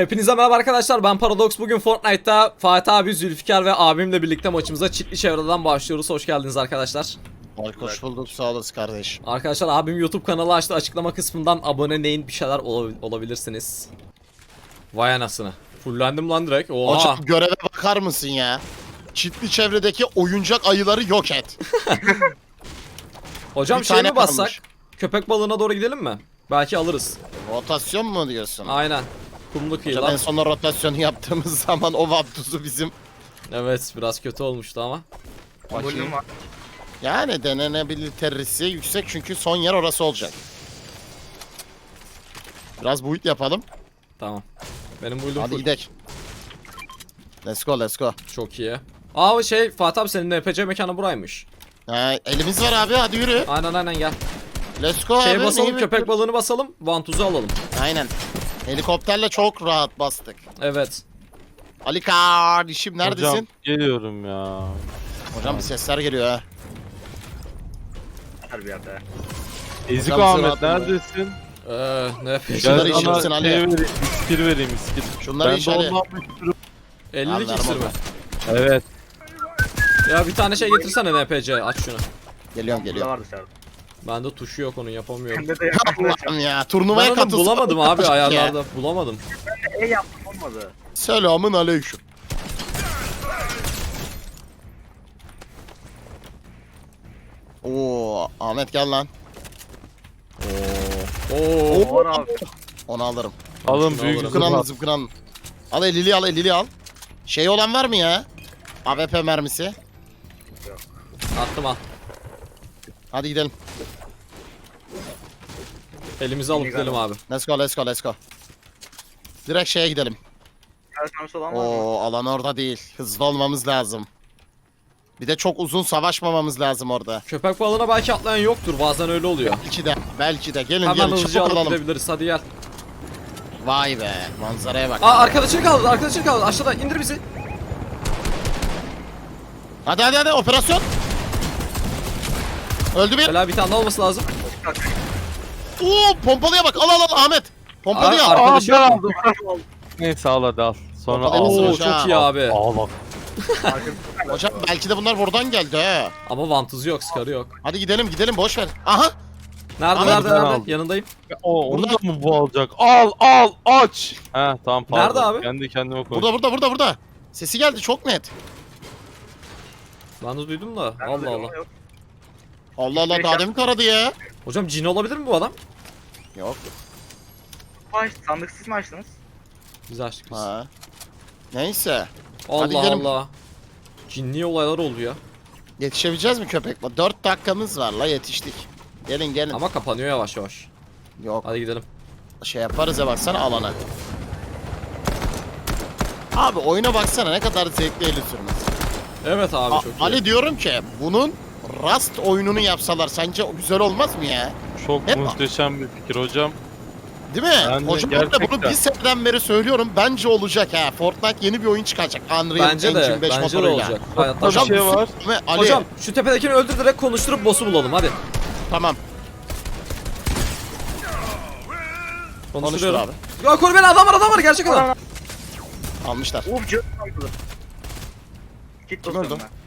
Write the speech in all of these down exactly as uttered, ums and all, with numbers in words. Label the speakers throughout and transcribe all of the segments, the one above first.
Speaker 1: Hepinize merhaba arkadaşlar, ben Paradox. Bugün Fortnite'ta Fatih abi, Zülfikar ve abimle birlikte maçımıza çitli çevreden başlıyoruz. Hoş geldiniz arkadaşlar.
Speaker 2: Hoş bulduk, sağ olasın kardeş.
Speaker 1: Arkadaşlar, abim YouTube kanalı açtı, açıklama kısmından aboneleyin, bir şeyler ol olabilirsiniz. Vay anasını. Fullendim lan direkt. Oha.
Speaker 2: Hocam göreve bakar mısın ya? Çitli çevredeki oyuncak ayıları yok et.
Speaker 1: Hocam
Speaker 2: bir
Speaker 1: şey
Speaker 2: tane
Speaker 1: mi bassak?
Speaker 2: kalmış.
Speaker 1: Köpek balığına doğru gidelim mi? Belki alırız.
Speaker 2: Rotasyon mu diyorsun?
Speaker 1: Aynen. Kumlu
Speaker 2: Hocam en
Speaker 1: kıyılar.
Speaker 2: son rotasyonu yaptığımız zaman o vaptuzu bizim.
Speaker 1: Evet, biraz kötü olmuştu ama.
Speaker 2: Bakayım. Yani denenebilitesi yüksek çünkü son yer orası olacak. Biraz build yapalım.
Speaker 1: Tamam. Benim build'um
Speaker 2: Hadi
Speaker 1: full.
Speaker 2: gidelim. Let's go, let's go.
Speaker 1: Çok iyi. Aa şey Fatih abi, senin N P C mekanı buraymış.
Speaker 2: Ha, elimiz var abi, hadi yürü.
Speaker 1: Aynen aynen gel.
Speaker 2: Let's go
Speaker 1: Şeye
Speaker 2: abi.
Speaker 1: basalım,
Speaker 2: neyi
Speaker 1: köpek
Speaker 2: bekliyoruz?
Speaker 1: balığını basalım, vantuzu alalım.
Speaker 2: Aynen. Helikopterle çok rahat bastık.
Speaker 1: Evet.
Speaker 2: Ali kardeşim neredesin?
Speaker 3: Hocam geliyorum ya.
Speaker 2: Hocam bir sesler geliyor ha.
Speaker 4: Her bir yerde.
Speaker 3: Ezik
Speaker 2: Hocam
Speaker 3: Ahmet
Speaker 2: sıra atma.
Speaker 3: neredesin?
Speaker 1: Eee ne
Speaker 2: Şunları
Speaker 3: Gel
Speaker 1: yapayım?
Speaker 2: işaretsin
Speaker 3: sana
Speaker 2: Ali.
Speaker 3: şey vereyim, iskir vereyim iskir.
Speaker 2: Şunları
Speaker 3: Ben de
Speaker 2: işaret.
Speaker 3: ondan bir sürü-
Speaker 1: ellilik
Speaker 2: Anlarım
Speaker 1: iksir mi?
Speaker 2: onu.
Speaker 3: Evet.
Speaker 1: Ya bir tane şey getirsene N P C, aç şunu.
Speaker 2: Geliyorum
Speaker 4: Burada
Speaker 2: geliyorum.
Speaker 4: var dışarıda.
Speaker 1: Bende tuşu yok, onu yapamıyorum.
Speaker 4: Bende de yapamıyorum.
Speaker 2: Allah'ım ya,
Speaker 1: Ben
Speaker 2: turnuvaya
Speaker 1: onu
Speaker 2: katılsın.
Speaker 1: bulamadım abi, ayarlarda bulamadım.
Speaker 4: E yaptım olmadı.
Speaker 2: Selamın aleyküm. Oo, Ahmet gel lan.
Speaker 1: Oo.
Speaker 4: Oğlan abi.
Speaker 2: Onu alırım.
Speaker 3: Alın
Speaker 1: Şunu
Speaker 3: büyük
Speaker 1: alırım.
Speaker 2: Zıpkın al,
Speaker 3: zıpkın.
Speaker 2: zıpkın al. Al elili al, elili al. Şey olan var mı ya? A W P mermisi.
Speaker 1: Attım al.
Speaker 2: Hadi gidelim.
Speaker 1: Elimizi alıp
Speaker 4: İyi
Speaker 1: gidelim
Speaker 4: galiba.
Speaker 1: abi.
Speaker 2: Let's go, let's go, let's go. Direkt şeye gidelim.
Speaker 4: Her şansı olan var mı?
Speaker 2: Oo, alan orada değil. Hızlı olmamız lazım. Bir de çok uzun savaşmamamız lazım orada.
Speaker 1: Köpek balığına belki atlayan yoktur, bazen öyle oluyor.
Speaker 2: Belki de, belki de. Gelin
Speaker 1: Hemen
Speaker 2: gelin,
Speaker 1: hızlıca
Speaker 2: çabuk
Speaker 1: alıp
Speaker 2: alalım.
Speaker 1: gidebiliriz, hadi gel.
Speaker 2: Vay be, manzaraya bak.
Speaker 1: Aa arkadaşını kaldı, arkadaşını kaldı, aşağıda indir bizi.
Speaker 2: Hadi hadi hadi, operasyon. Öldü bir.
Speaker 1: Helal, bir tane daha olması lazım.
Speaker 2: Oo, pompalıya bak. Al al al Ahmet. Pompalıyı
Speaker 1: Aa,
Speaker 2: al.
Speaker 1: ar-
Speaker 3: Aa
Speaker 1: Arkadaşı
Speaker 3: ben
Speaker 1: yok mu?
Speaker 3: aldım. Neyse al hadi al. Sonra
Speaker 2: Ortada
Speaker 3: al.
Speaker 2: mısın?
Speaker 1: Oo
Speaker 2: hocam.
Speaker 1: çok iyi abi.
Speaker 3: Al bak.
Speaker 2: Hocam belki de bunlar buradan geldi he.
Speaker 1: Ama vantuzu yok, skarı yok.
Speaker 2: Hadi gidelim gidelim, boş ver. Aha.
Speaker 1: Nerede
Speaker 2: Ahmet,
Speaker 1: nerede
Speaker 3: ben
Speaker 1: nerede?
Speaker 3: aldım.
Speaker 1: Yanındayım.
Speaker 3: O, onu
Speaker 2: Burada.
Speaker 3: da mı bu alacak? Al al aç. He tamam pardon.
Speaker 1: Nerede abi?
Speaker 3: Kendi kendime koydum.
Speaker 2: Burada burada burada burada. Sesi geldi çok net.
Speaker 1: Ben de duydum da.
Speaker 4: Ben de
Speaker 1: Allah
Speaker 4: diyorum,
Speaker 1: Allah.
Speaker 4: yok.
Speaker 2: Allah Allah, daha demin taradı ya.
Speaker 1: Hocam cin olabilir mi bu adam?
Speaker 2: Yok.
Speaker 4: Baş, sandık siz mi açtınız?
Speaker 1: Biz açtık biz.
Speaker 2: Ha. Neyse.
Speaker 1: Allah
Speaker 2: gidelim.
Speaker 1: Allah. Cinli olaylar oldu ya.
Speaker 2: Yetişebileceğiz mi köpek? dört dakikamız var la, yetiştik. Gelin gelin.
Speaker 1: Ama kapanıyor yavaş yavaş.
Speaker 2: Yok,
Speaker 1: Hadi gidelim.
Speaker 2: şey yaparız ya, baksana alana. Abi oyuna baksana, ne kadar zevkli eli sürmesi.
Speaker 1: Evet abi,
Speaker 2: A-
Speaker 1: çok iyi.
Speaker 2: Ali diyorum ki bunun Rust oyununu yapsalar sence güzel olmaz mı ya?
Speaker 3: Çok
Speaker 2: Hep-
Speaker 3: muhteşem bir fikir hocam.
Speaker 2: Değil mi?
Speaker 3: Yani
Speaker 2: Hocam ben de bunu
Speaker 3: gerçekten.
Speaker 2: bir seneden beri söylüyorum. Bence olacak ha. Fortnite yeni bir oyun çıkacak. Unreal
Speaker 1: Bence de,
Speaker 2: Engine beş
Speaker 1: bence de
Speaker 2: motoruyla.
Speaker 1: olacak. Hayatta
Speaker 2: Hocam
Speaker 3: Bir şey
Speaker 2: bu
Speaker 3: var.
Speaker 2: f- Ali.
Speaker 1: Hocam şu tepedekini öldür, direkt konuşturup boss'u bulalım hadi.
Speaker 2: Tamam. Konuştur
Speaker 1: Konuşturuyorum.
Speaker 2: abi.
Speaker 1: Ya koru beni, adam var adam var, gerçek adam.
Speaker 2: Almışlar.
Speaker 4: Uf cırt aldı. Kit
Speaker 2: Kim
Speaker 4: basıyorum
Speaker 2: öldü?
Speaker 4: ben.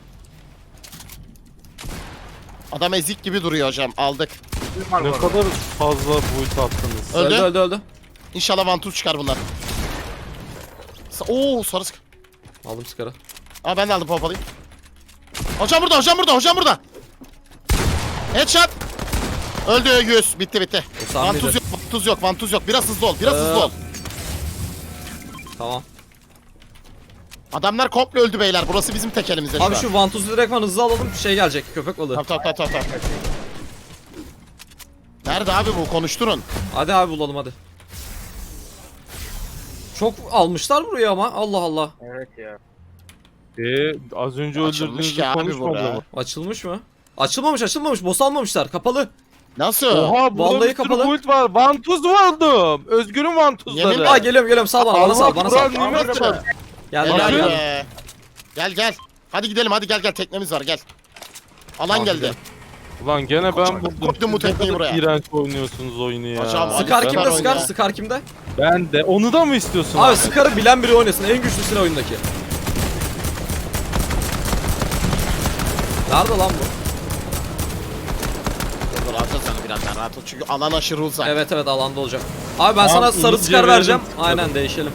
Speaker 2: Adam ezik gibi duruyor hocam. Aldık.
Speaker 4: Kim var bu
Speaker 3: Ne
Speaker 4: arada?
Speaker 3: kadar fazla boyut attınız.
Speaker 2: Öldü.
Speaker 1: Öldü öldü öldü.
Speaker 2: İnşallah vantuz çıkar bunlar. Sa- Oo, sarı sık.
Speaker 1: Aldım skarı.
Speaker 2: Aa, ben de aldım pompalıyı. Hocam burada, hocam burada, hocam burada. Headshot. Öldü yüz. Bitti bitti.
Speaker 1: O sahneydi.
Speaker 2: Vantuz yok, vantuz yok, vantuz yok. Biraz hızlı ol, biraz
Speaker 1: Ee,
Speaker 2: hızlı ol.
Speaker 1: Tamam.
Speaker 2: Adamlar komple öldü beyler. Burası bizim tek elimizde
Speaker 1: Abi
Speaker 2: şu an.
Speaker 1: şu vantuzu direktman hızlı alalım, şey gelecek, köpek balığı.
Speaker 2: Tamam tamam tamam tamam. Nerede abi bu? Konuşturun.
Speaker 1: Hadi abi bulalım hadi. Çok almışlar buraya ama, Allah Allah.
Speaker 4: Evet ya.
Speaker 3: Eee az önce
Speaker 2: Açılmış
Speaker 3: öldürdüğünüzü
Speaker 2: ki abi
Speaker 3: konuşmadı
Speaker 2: bura.
Speaker 3: mı?
Speaker 1: Açılmış mı? Açılmamış açılmamış, boss almamışlar, kapalı.
Speaker 2: Nasıl?
Speaker 3: Oha burada
Speaker 1: Vallahi
Speaker 3: bir sürü
Speaker 1: kapalı.
Speaker 3: boyut var. Vantuz buldum. Özgür'ün vantuzları.
Speaker 2: Yemin-
Speaker 1: Aa geliyorum geliyorum, sal bana, bana sal, bana sal.
Speaker 3: Kur'an nimeti.
Speaker 1: Gel
Speaker 2: Helal
Speaker 1: gel gel.
Speaker 2: be. Gel gel. Hadi gidelim, hadi gel gel, teknemiz var, gel. Alan
Speaker 1: Tamam,
Speaker 2: geldi.
Speaker 1: gidelim.
Speaker 3: Ulan gene
Speaker 2: Hocam,
Speaker 3: ben buldum.
Speaker 2: koydum bu
Speaker 3: Siz ne
Speaker 2: tekneyi
Speaker 3: kadar
Speaker 2: buraya.
Speaker 3: İğrenç oynuyorsunuz oyunu ya.
Speaker 2: Hocam, Ali
Speaker 1: Scar
Speaker 2: ben
Speaker 1: kimde?
Speaker 2: var
Speaker 1: Scar,
Speaker 2: oyunda.
Speaker 1: Scar kimde?
Speaker 3: Ben de. Onu da mı istiyorsun
Speaker 1: Abi
Speaker 3: abi?
Speaker 1: Scar'ı bilen biri oynasın. En güçlüsü oyundaki. Nerede lan bu?
Speaker 2: Dur dur alacağız sana birazdan rahat ol. Çünkü alan aşırı uzak.
Speaker 1: Evet evet alanda olacak. Abi ben
Speaker 3: Tamam,
Speaker 1: sana sarı
Speaker 3: iyice
Speaker 1: Scar vereceğim.
Speaker 3: verelim.
Speaker 1: Aynen değişelim.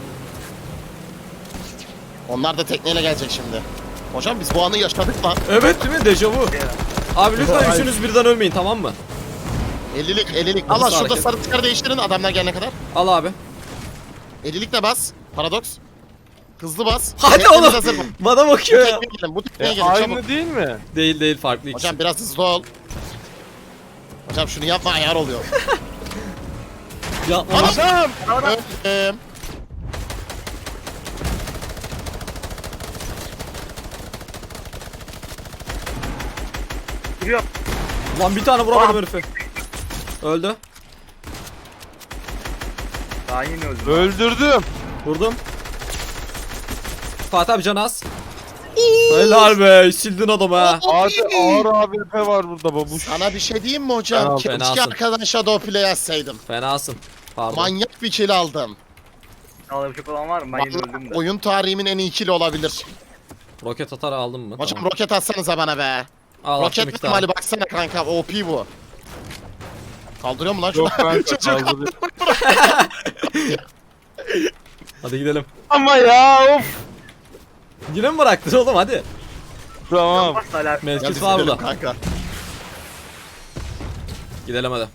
Speaker 2: Onlar da tekneyle gelecek şimdi. Hocam biz bu anı yaşadık lan.
Speaker 1: Evet değil mi? Dejavu. Abi lütfen üçünüz birden ölmeyin tamam mı?
Speaker 2: ellilik ellilik. Al
Speaker 1: Nasıl
Speaker 2: lan şurada
Speaker 1: hareket?
Speaker 2: sarı tıkarı değiştirin adamlar gelene kadar.
Speaker 1: Al abi.
Speaker 2: ellilik de bas. Paradoks. Hızlı bas.
Speaker 1: Hadi
Speaker 2: Teknemiz
Speaker 1: oğlum.
Speaker 2: hazır mı?
Speaker 1: Bana
Speaker 2: Bu
Speaker 1: bakıyor ya.
Speaker 2: tekneye gelin. Bu tekneye
Speaker 3: E,
Speaker 2: gelin çabuk.
Speaker 3: aynı değil mi?
Speaker 1: Değil değil farklı ikisi.
Speaker 2: Hocam biraz hızlı ol. Hocam şunu yapma ayar oluyor.
Speaker 1: Ya
Speaker 2: Hocam. Öldüm.
Speaker 4: Duruyor.
Speaker 1: Lan bir tane vuramadım herifi. Öldü.
Speaker 4: Daha yeni öldüm.
Speaker 3: Öldürdüm.
Speaker 1: Vurdum. Fatih abi can az. Helal be sildin adamı ha.
Speaker 3: Hadi ağır A W P var burada babuş.
Speaker 2: Sana bir şey diyeyim mi hocam?
Speaker 1: Fena-
Speaker 2: Keşke
Speaker 1: fenasın.
Speaker 2: arkadan Shadow Play yazsaydım.
Speaker 1: Fenasın. Pardon.
Speaker 2: Manyak bir kill aldım.
Speaker 4: Alabilecek olan var mı? Ben yeni öldüm de.
Speaker 2: Oyun tarihimin en iyi kill'i olabilir.
Speaker 1: Roket atar aldım mı?
Speaker 2: Hocam
Speaker 1: Tamam.
Speaker 2: roket atsanıza bana be.
Speaker 1: Al attım
Speaker 2: Roket
Speaker 1: iki
Speaker 2: ihtimali
Speaker 1: tane.
Speaker 2: baksana kanka O P bu. Kaldırıyor mu lan şunu?
Speaker 3: Yok ben
Speaker 2: Çocuk
Speaker 3: kaldırıyorum.
Speaker 1: Hadi gidelim.
Speaker 3: Ama ya of.
Speaker 1: Yine mi bıraktın oğlum hadi.
Speaker 3: Tamam.
Speaker 4: Bas hala.
Speaker 1: Mezkit
Speaker 2: Gel
Speaker 1: var
Speaker 2: gidelim
Speaker 1: burada.
Speaker 2: kanka.
Speaker 1: Gidelim hadi.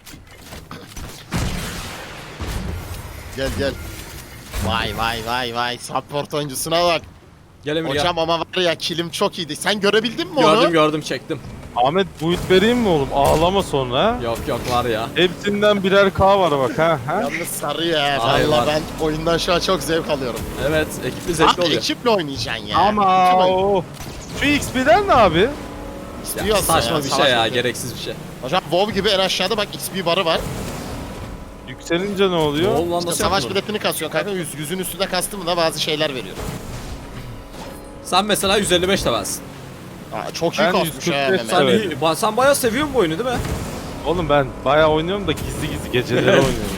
Speaker 2: Gel gel. Vay vay vay vay. Support oyuncusuna bak.
Speaker 1: Gel Emir
Speaker 2: Hocam ama var ya killim çok iyiydi. Sen görebildin mi
Speaker 1: gel.
Speaker 2: onu?
Speaker 1: Gördüm gördüm çektim.
Speaker 3: Ahmet buit vereyim mi oğlum? Ağlama sonra.
Speaker 1: Yok yok var ya.
Speaker 3: Hepsinden birer K var bak ha. ha?
Speaker 2: Yalnız sarı ya.
Speaker 1: Ay,
Speaker 2: Valla
Speaker 1: var.
Speaker 2: ben oyundan şu an çok zevk alıyorum.
Speaker 1: Evet ekipli zevkli
Speaker 2: Abi
Speaker 1: oluyor.
Speaker 2: ekiple oynayacaksın ya.
Speaker 3: Ama
Speaker 2: Kim oyun-
Speaker 3: o. Şu X P'den ne abi?
Speaker 1: Ya,
Speaker 2: İstiyorsa
Speaker 1: saçma
Speaker 2: ya,
Speaker 1: bir
Speaker 2: savaş
Speaker 1: şey ya
Speaker 2: yapıyor.
Speaker 1: gereksiz bir şey.
Speaker 2: Hocam WoW gibi en aşağıda bak X P barı var.
Speaker 3: Yükselince ne oluyor?
Speaker 1: Oğlum lan
Speaker 2: İşte
Speaker 1: nasıl
Speaker 2: savaş
Speaker 1: yaptın onu?
Speaker 2: biletini kasıyor kanka. Yüz, yüzün üstünde kastı mı da bazı şeyler veriyor.
Speaker 1: Sen mesela yüz elli beş levelsin.
Speaker 2: Aa, çok iyi
Speaker 3: Ben
Speaker 2: kasmış
Speaker 3: yüz kırk
Speaker 2: ha
Speaker 3: beş
Speaker 2: Mehmet.
Speaker 1: Sen,
Speaker 3: Evet.
Speaker 1: iyi- ba- sen bayağı seviyorsun bu oyunu değil mi?
Speaker 3: Oğlum ben bayağı oynuyorum da gizli gizli geceleri
Speaker 1: Evet.
Speaker 3: oynuyorum.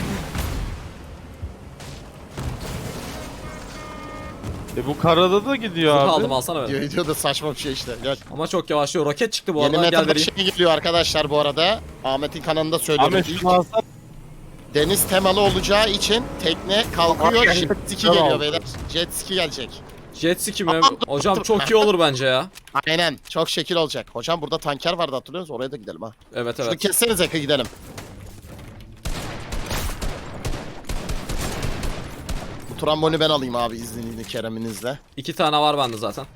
Speaker 3: E bu karada da gidiyor
Speaker 1: Zırh
Speaker 3: abi.
Speaker 1: aldım alsana beni.
Speaker 2: Diyor, diyor da saçma bir şey işte. Gel.
Speaker 1: Ama çok yavaşlıyor. Roket çıktı bu
Speaker 2: Yeni
Speaker 1: arada. Gel
Speaker 2: meta bir
Speaker 1: vereyim.
Speaker 2: şey geliyor arkadaşlar bu arada. Ahmet'in kanalında söylüyorum.
Speaker 3: Ahmet şunu alsana.
Speaker 2: Deniz temalı olacağı için tekne kalkıyor.
Speaker 4: Aa,
Speaker 2: Jet ski
Speaker 3: tamam.
Speaker 2: geliyor beyler. Jet ski gelecek.
Speaker 1: Jet ski mi?
Speaker 2: Aa,
Speaker 1: Hocam çok iyi olur bence ya.
Speaker 2: Aynen. Çok şekil olacak. Hocam burada tanker vardı hatırlıyor musunuz? Oraya da gidelim ha.
Speaker 1: Evet
Speaker 2: Şunu
Speaker 1: evet.
Speaker 2: kesseniz Eka gidelim. Bu tramboni ben alayım abi izninizle Kerem'inizle.
Speaker 1: İki tane var bende zaten.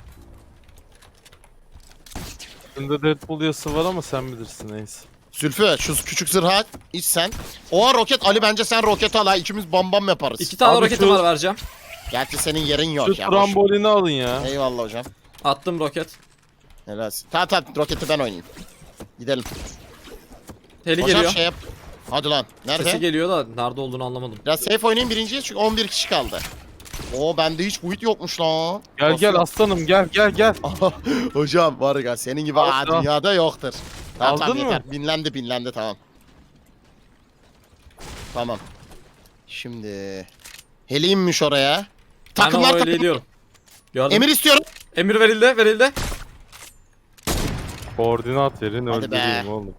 Speaker 3: Bunda Deadpool yası var ama sen bilirsin neyse.
Speaker 2: Zülfü şu küçük zırha iç sen. O roket Ali bence sen roket al ha ikimiz bam bam yaparız.
Speaker 1: İki tane
Speaker 3: Abi
Speaker 1: roketim
Speaker 3: şu-
Speaker 1: var vereceğim.
Speaker 2: Gerçi senin yerin
Speaker 3: Şu
Speaker 2: yok ya. boş.
Speaker 3: trambolini alın ya.
Speaker 2: Eyvallah hocam.
Speaker 1: Attım roket.
Speaker 2: Helal. Tamam tamam roketi ben oynayayım. Gidelim.
Speaker 1: Heli
Speaker 2: Hocam
Speaker 1: geliyor.
Speaker 2: şey yap. Hadi lan. Nerede?
Speaker 1: Sesi geliyor da nerede olduğunu anlamadım.
Speaker 2: Biraz safe oynayayım birinciye çünkü on bir kişi kaldı. Oo bende hiç buit yokmuş lan.
Speaker 3: Gel gel aslanım gel gel gel.
Speaker 2: Hocam var ya senin gibi
Speaker 3: Al,
Speaker 2: aa,
Speaker 3: al.
Speaker 2: dünyada yoktur. Tamam,
Speaker 3: Aldın
Speaker 2: tamam,
Speaker 3: mı?
Speaker 2: yeter. Binlendi binlendi tamam. Tamam. Şimdi Heli inmiş oraya.
Speaker 1: Hemen
Speaker 2: Takımlar
Speaker 1: öyle
Speaker 2: takım.
Speaker 1: ediyorum. Gördüm.
Speaker 2: Emir istiyorum.
Speaker 1: Emir verildi verildi.
Speaker 3: Koordinat verin
Speaker 2: Hadi be.
Speaker 3: öldüreyim oğlum.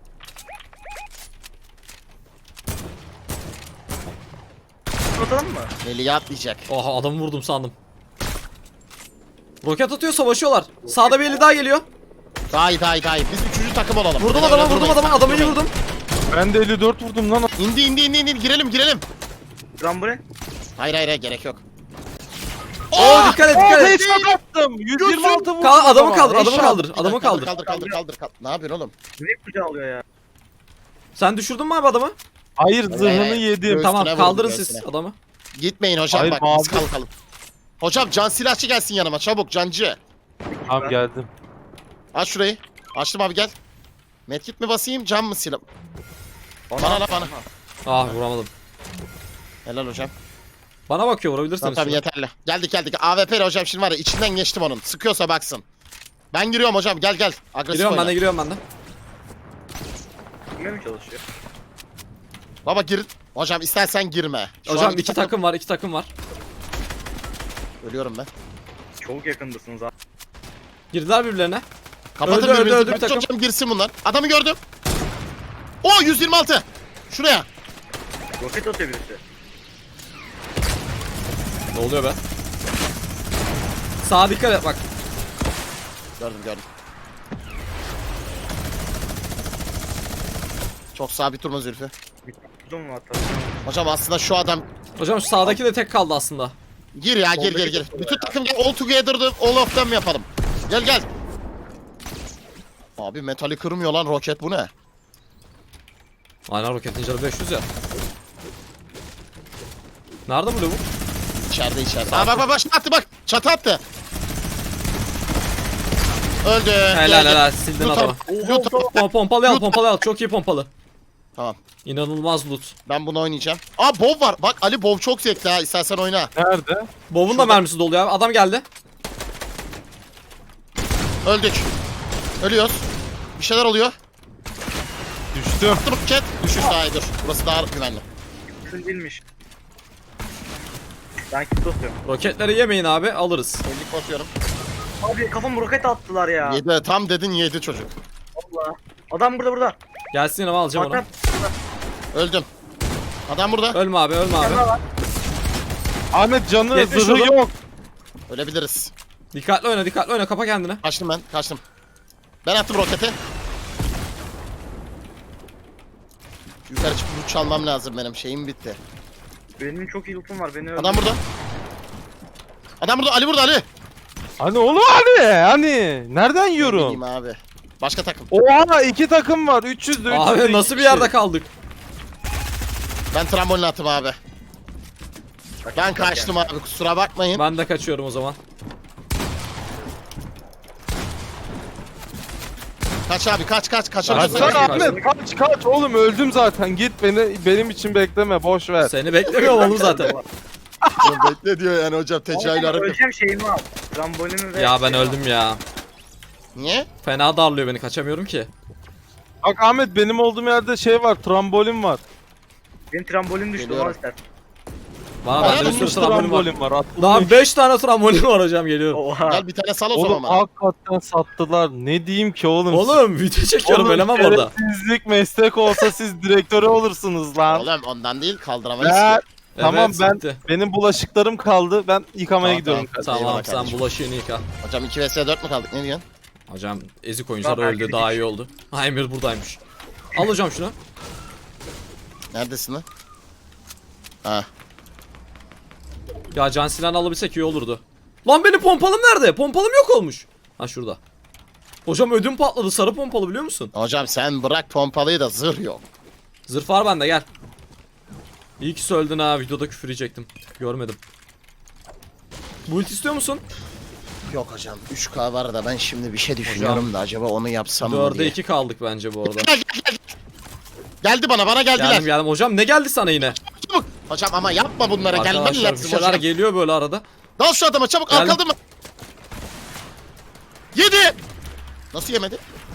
Speaker 4: Atalım mı?
Speaker 2: Heli'ye atlayacak.
Speaker 1: Oha adamı vurdum sandım. Roket atıyor savaşıyorlar. Sağda bir eli daha geliyor.
Speaker 2: Daha iyi daha iyi daha iyi. Biz üçüncü takım olalım.
Speaker 1: Vurdum
Speaker 2: Öyle
Speaker 1: adamı
Speaker 2: öyle
Speaker 1: vurdum
Speaker 2: durmayın.
Speaker 1: adamı adamı iyi vurdum.
Speaker 3: Ben de elli dört vurdum lan.
Speaker 2: İndi indi indi indi girelim girelim.
Speaker 4: Rambure.
Speaker 2: Hayır hayır hayır gerek yok.
Speaker 1: Oo dikkat et dikkat et.
Speaker 3: Headshot attım. yüz yirmi altı vurdum.
Speaker 1: Kal- adamı
Speaker 3: ama.
Speaker 1: kaldır adamı
Speaker 2: Headshot.
Speaker 1: kaldır
Speaker 2: Bir dakika,
Speaker 1: adamı kaldır.
Speaker 2: Kaldır kaldır kaldır kaldır. Ne yapıyorsun oğlum?
Speaker 4: Direkt kucağı alıyor ya.
Speaker 1: Sen düşürdün mü abi adamı?
Speaker 3: Hayır zırhını
Speaker 2: Ee,
Speaker 3: yedim.
Speaker 2: Göğsüne
Speaker 1: Tamam
Speaker 2: vurdum,
Speaker 1: kaldırın
Speaker 2: göğsüne.
Speaker 1: siz adamı.
Speaker 2: Gitmeyin hocam
Speaker 3: Hayır,
Speaker 2: bak
Speaker 3: mavi.
Speaker 2: biz kalkalım. Hocam can silahçı gelsin yanıma çabuk cancı.
Speaker 3: Tamam geldim.
Speaker 2: Aç şurayı. Açtım abi gel. Medkit mi basayım can mı silah? Bana la bana.
Speaker 1: Ah vuramadım.
Speaker 2: Helal hocam.
Speaker 1: Bana bakıyor vurabilirsiniz.
Speaker 2: Tamam tamam
Speaker 1: şunu.
Speaker 2: yeterli. Geldik geldik. A W P'li hocam şimdi var ya içinden geçtim onun. Sıkıyorsa baksın. Ben giriyorum hocam gel gel. Agresif
Speaker 1: Giriyorum ben
Speaker 2: oyna.
Speaker 1: de giriyorum ben de.
Speaker 4: Girmeye mi çalışıyor?
Speaker 2: Baba gir. Hocam istersen girme. Şu
Speaker 1: Hocam
Speaker 2: an
Speaker 1: iki takım var iki takım var.
Speaker 2: Ölüyorum ben.
Speaker 4: Çok yakındasınız abi.
Speaker 1: Girdiler birbirlerine.
Speaker 2: Kapatın
Speaker 1: Öldü, öldü,
Speaker 2: birbirinizi.
Speaker 1: öldü bir
Speaker 2: Bırakın
Speaker 1: takım.
Speaker 2: hocam girsin bunlar. Adamı gördüm. O yüz yirmi altı. Şuraya.
Speaker 4: Roket atıyor birisi.
Speaker 1: Ne oluyor be? Sağa dikkat et bak.
Speaker 2: Gördüm gördüm. Çok sabit durma Zülfü.
Speaker 4: Buldum mu hatta?
Speaker 2: Hocam aslında şu adam
Speaker 1: Hocam şu sağdaki de tek kaldı aslında.
Speaker 2: gir ya gir gir gir. Bütün takım gel all together'dı all of them yapalım. Gel gel. Abi metali kırmıyor lan roket bu ne?
Speaker 1: Aynen roketin canı beş yüz ya. Nerede bu lavuk?
Speaker 2: İçeride içeride. Aa bak bak bak çatı attı bak. Çatı attı. Öldü.
Speaker 1: Helal
Speaker 2: Gel, gel.
Speaker 1: helal sildin
Speaker 2: Loot
Speaker 1: adamı.
Speaker 2: al, loot al.
Speaker 1: Pom pompalı al pompalı al çok iyi pompalı.
Speaker 2: Tamam.
Speaker 1: İnanılmaz loot.
Speaker 2: Ben bunu oynayacağım. Aa Bob var. Bak Ali Bob çok zevkli ha. İstersen oyna.
Speaker 3: Nerede?
Speaker 1: Bob'un da mermisi doluyor abi. Adam geldi.
Speaker 2: Öldük. Ölüyoruz. Bir şeyler oluyor.
Speaker 3: Düştüm.
Speaker 2: Attım roket. Düşüş daha iyi dur. Burası daha güvenli.
Speaker 4: Kısım değilmiş. Ben kit tutuyorum.
Speaker 1: Roketleri yemeyin abi alırız.
Speaker 2: Ellik basıyorum.
Speaker 4: Abi kafam roket attılar ya.
Speaker 2: Yedi. Tam dedin yedi çocuk.
Speaker 4: Allah. Adam burada burada.
Speaker 1: Gelsin yanıma alacağım onu.
Speaker 4: Hakan.
Speaker 2: Öldüm. Adam burada.
Speaker 1: Ölme abi ölme abi.
Speaker 4: Burada var.
Speaker 3: Ahmet canı
Speaker 1: Yetmiş
Speaker 3: zırhı
Speaker 1: oğlum.
Speaker 3: yok.
Speaker 2: Ölebiliriz.
Speaker 1: Dikkatli oyna dikkatli oyna kapa kendini.
Speaker 2: Kaçtım ben. Kaçtım. Ben attım roketi. Yukarı çıkıp loot çalmam lazım benim. Şeyim bitti.
Speaker 4: Benim çok iyi lootum var. Beni öldür.
Speaker 2: Adam burada. Adam burada. Ali burada Ali.
Speaker 3: Hani oğlum hani hani nereden yiyorum?
Speaker 2: Bileyim abi. Başka takım.
Speaker 3: Oha iki takım var üç yüzde üç yüzde
Speaker 1: Abi
Speaker 3: iki
Speaker 1: nasıl bir
Speaker 3: kişi.
Speaker 1: yerde kaldık?
Speaker 2: Ben trambolini attım abi. Ben kaçtım abi kusura bakmayın.
Speaker 1: Ben de kaçıyorum o zaman.
Speaker 2: Kaç abi kaç kaç kaç.
Speaker 1: Kaç,
Speaker 3: Kaçsana
Speaker 1: kaç,
Speaker 3: Ahmet kaç kaç oğlum öldüm zaten git beni benim için bekleme boş ver.
Speaker 1: Seni beklemiyorum oğlum zaten.
Speaker 2: Bekle diyor yani hocam tecahül hareket.
Speaker 4: Öleceğim şeyimi al. Trambolimi ve...
Speaker 1: Ya ben öldüm ya.
Speaker 2: Niye?
Speaker 1: Fena darlıyor beni kaçamıyorum ki.
Speaker 3: Bak Ahmet benim olduğum yerde şey var trambolin var.
Speaker 4: Benim trambolim düştü.
Speaker 2: Geliyorum.
Speaker 4: Onu istersen.
Speaker 1: Bana
Speaker 2: Bayağı
Speaker 1: bende bir sürü
Speaker 3: Atılmış
Speaker 1: trambolin var.
Speaker 3: trambolin var. atılmış.
Speaker 1: Daha beş tane trambolin var hocam geliyorum.
Speaker 4: Oha.
Speaker 2: Gel bir tane sal o zaman
Speaker 3: Oğlum
Speaker 2: bana.
Speaker 3: hakikaten sattılar. Ne diyeyim ki oğlum?
Speaker 1: Oğlum video çekiyorum
Speaker 3: Oğlum,
Speaker 1: elemem orada.
Speaker 3: şerefsizlik meslek olsa siz direktörü olursunuz lan.
Speaker 2: Oğlum ondan değil kaldıramayız
Speaker 3: Ya,
Speaker 2: ki.
Speaker 3: tamam
Speaker 1: Evet,
Speaker 3: ben
Speaker 1: bitti.
Speaker 3: benim bulaşıklarım kaldı. Ben yıkamaya
Speaker 2: Tamam,
Speaker 3: gidiyorum.
Speaker 2: tamam.
Speaker 1: Tamam
Speaker 2: Eyvallah
Speaker 1: sen
Speaker 2: kardeşim.
Speaker 1: bulaşığını yıka.
Speaker 2: Hocam iki vs dört mü kaldık ne diyorsun?
Speaker 1: Hocam ezik oyuncular
Speaker 4: Tamam,
Speaker 1: öldü
Speaker 4: belki
Speaker 1: daha
Speaker 4: bir
Speaker 1: iyi oldu. Ha Emir buradaymış. Al hocam şunu.
Speaker 2: Neredesin lan? Ha.
Speaker 1: Ya can silahını alabilsek iyi olurdu. Lan benim pompalım nerede? Pompalım yok olmuş. Ha şurada. Hocam ödüm patladı sarı pompalı biliyor musun?
Speaker 2: Hocam sen bırak pompalıyı da zırh yok.
Speaker 1: Zırh var bende gel. İyi ki söyledin ha videoda küfür yiyecektim. Görmedim. Build istiyor musun?
Speaker 2: Yok hocam üç K var da ben şimdi bir şey düşünüyorum da acaba onu yapsam mı
Speaker 1: dörde
Speaker 2: diye.
Speaker 1: iki kaldık bence bu arada.
Speaker 2: Gel, gel, gel. Geldi bana bana geldiler.
Speaker 1: Geldim geldim hocam ne geldi sana yine?
Speaker 2: Çabuk. Hocam ama yapma bunlara gelmen
Speaker 1: Arkadaşlar bir
Speaker 2: lazım
Speaker 1: şeyler
Speaker 2: hocam.
Speaker 1: geliyor böyle arada.
Speaker 2: Dal şu adama çabuk
Speaker 1: Geldim.
Speaker 2: al kaldırma. Yedi. Nasıl yemedi?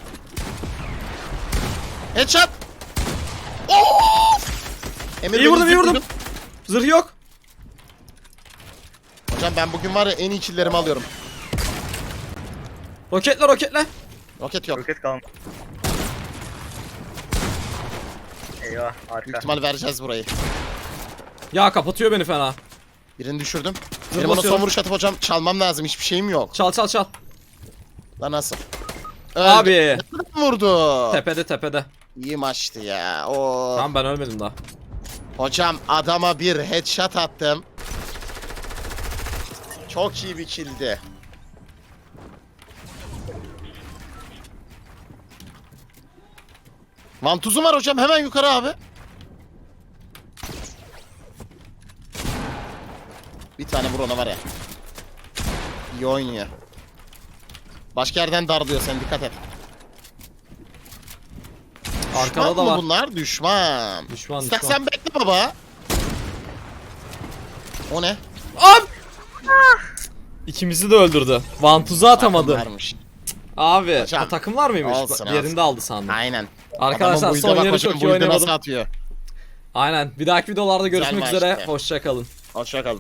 Speaker 2: Headshot. Of. Emir
Speaker 1: İyi
Speaker 2: beni
Speaker 1: vurdum iyi vurdum.
Speaker 2: zıpladı.
Speaker 1: Zırh yok.
Speaker 2: Hocam ben bugün var ya en iyi killlerimi alıyorum.
Speaker 1: Roketle roketle.
Speaker 2: Roket yok.
Speaker 4: Roket kalmadı. Eyvah
Speaker 2: Büyük
Speaker 4: harika.
Speaker 2: ihtimal vereceğiz burayı.
Speaker 1: Ya kapatıyor beni fena.
Speaker 2: Birini düşürdüm.
Speaker 1: Zırh
Speaker 2: Benim ona son
Speaker 1: basıyorum.
Speaker 2: vuruş atıp hocam çalmam lazım. Hiçbir şeyim yok.
Speaker 1: Çal çal çal.
Speaker 2: Lan nasıl? Öldü.
Speaker 1: Abi.
Speaker 2: Nereden vurdu?
Speaker 1: Tepede tepede.
Speaker 2: İyi maçtı ya. Oo.
Speaker 1: Tamam ben ölmedim daha.
Speaker 2: Hocam adama bir headshot attım. Çok iyi bir killdi. Vantuzum var hocam hemen yukarı abi. Bir tane vur ona var ya. İyi oynuyor. Başka yerden darlıyor sen dikkat et.
Speaker 1: Arkada
Speaker 2: Düşman
Speaker 1: da
Speaker 2: mı
Speaker 1: var.
Speaker 2: bunlar? Düşman.
Speaker 1: Düşman
Speaker 2: İstersen
Speaker 1: düşman.
Speaker 2: bekle baba. O ne?
Speaker 1: Abi. İkimizi de öldürdü. Vantuzu atamadı.
Speaker 2: Varmış.
Speaker 1: Abi
Speaker 2: Hocam,
Speaker 1: o takım var mıymış?
Speaker 2: olsun,
Speaker 1: Yerinde
Speaker 2: olsun.
Speaker 1: aldı sandım.
Speaker 2: Aynen.
Speaker 1: Arkadaşlar
Speaker 2: Adamın
Speaker 1: son
Speaker 2: build'e bak
Speaker 1: yeri
Speaker 2: hocam,
Speaker 1: çok iyi
Speaker 2: build'e
Speaker 1: oynamadım.
Speaker 2: nasıl atıyor.
Speaker 1: Aynen. Bir dahaki videolarda görüşmek
Speaker 2: maçtı.
Speaker 1: üzere. Hoşça kalın.
Speaker 2: Hoşça kalın.